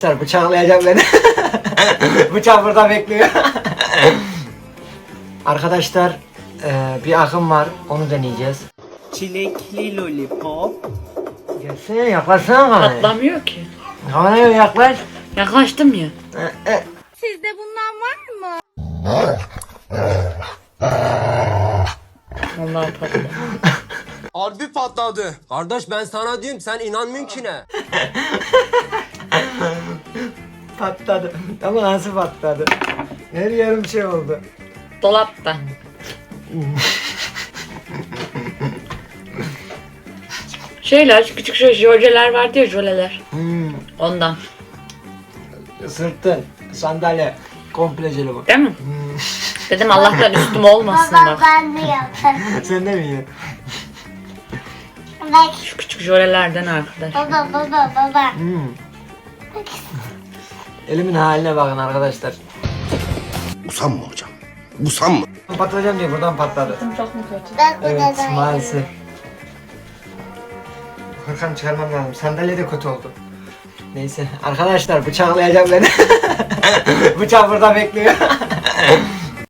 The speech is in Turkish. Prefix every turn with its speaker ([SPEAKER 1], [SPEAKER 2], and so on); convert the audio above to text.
[SPEAKER 1] Bıçaklayacak beni. Bıçak burada bekliyor. Arkadaşlar bir akım var, onu deneyeceğiz.
[SPEAKER 2] Çilekli lollipop.
[SPEAKER 1] Gelsene, yaklaşsana kameraya.
[SPEAKER 2] Patlamıyor ki.
[SPEAKER 1] Kameraya yaklaş.
[SPEAKER 2] Yaklaştım ya.
[SPEAKER 3] Sizde bundan var mı?
[SPEAKER 2] Vallahi patladı.
[SPEAKER 4] Harbi patladı. Kardeş ben sana diyorum sen inanmıyorsun ki ne?
[SPEAKER 1] Patladı. Ama nasıl patladı? Her yerim şey oldu.
[SPEAKER 2] Dolapta. Şeyler, küçük şey jöleler vardı ya, jöleler. Ondan.
[SPEAKER 1] Sırtın, sandalye, komple jeli bu.
[SPEAKER 2] Değil mi? Dedim Allah'tan üstüm olmasın
[SPEAKER 3] Baba
[SPEAKER 2] bak.
[SPEAKER 3] ben de yaparım.
[SPEAKER 1] Sen de mi yiyorsun?
[SPEAKER 3] Bak
[SPEAKER 2] Şu küçük jölelerden arkadaş.
[SPEAKER 3] baba.
[SPEAKER 1] Elimin haline bakın arkadaşlar.
[SPEAKER 5] Usanma hocam. Usanma.
[SPEAKER 1] Patlayacağım diye buradan patladı.
[SPEAKER 2] Çok mu kötü?
[SPEAKER 3] Ben
[SPEAKER 1] Evet,
[SPEAKER 3] odadan
[SPEAKER 1] maalesef. Hakan çıkarmam lazım. Sandalye de kötü oldu. Neyse arkadaşlar, bıçaklayacak beni. Bıçak burada bekliyor.